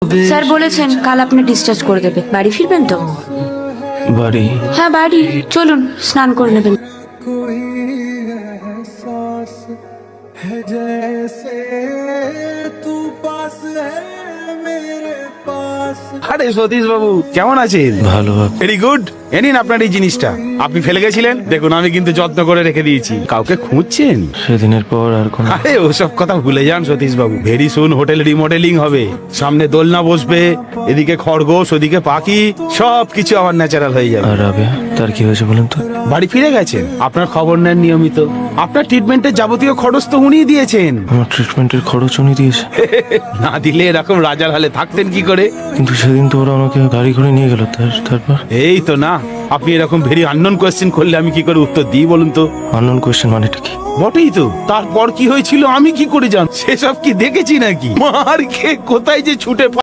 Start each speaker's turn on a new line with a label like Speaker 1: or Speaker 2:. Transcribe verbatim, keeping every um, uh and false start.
Speaker 1: Sir বলেছেন কাল আপনি ডিসচার্জ করে দেবে। বাড়ি ফিরবেন তো?
Speaker 2: বাড়ি?
Speaker 1: হ্যাঁ বাড়ি, চলুন স্নান করে নেবেন।
Speaker 3: है जैसे तू पास है मेरे पास।
Speaker 4: আরে সতীশ বাবু কেমন আছেন?
Speaker 2: ভালো বাবু।
Speaker 4: Very good. এ নিন আপনার এই জিনিসটা, আপনি ফেলে গেছিলেন, দেখুন আমি কিন্তু যত্ন করে রেখে দিয়েছি। কাউকে খুঁজছেন?
Speaker 2: সেদিনের পর আর কোন
Speaker 4: আরে ওসব কথা ভুলে যান সতীশ বাবু। ভেরি সুন হোটেল রিমডেলিং হবে, সামনে দোলনা বসবে, এদিকে খরগোশ ওদিকে পাখি, সব কিছু আবার ন্যাচারাল হয়ে যাবে।
Speaker 2: আর রাবেয়া তার কি হয়েছে বলেন তো?
Speaker 4: বাড়ি ফিরে গেছেন, আপনার খবর নেন নিয়মিত। আপনার ট্রিটমেন্টের যাবতীয় খরচ তো উনিই দিয়েছেন।
Speaker 2: আমার ট্রিটমেন্টের খরচ উনি দিয়েছে?
Speaker 4: না দিলে এরকম রাজার হালে থাকতেন কি করে?
Speaker 2: কিন্তু সেদিন তো ওরা আমাকে গাড়ি করে নিয়ে গেল, তার তারপর?
Speaker 4: এই তো না, আপনি এরকম ভেরি আননোন কোয়েশ্চেন করলে আমি কি করে উত্তর দিই বলুন তো?
Speaker 2: আননোন কোয়েশ্চেন মানেটা কি?
Speaker 4: বটেই তো, তারপর কি হয়েছিল আমি কি করে জান? সেসব কি দেখেছি নাকি? মার খেয়ে কোথায় যে ছুটে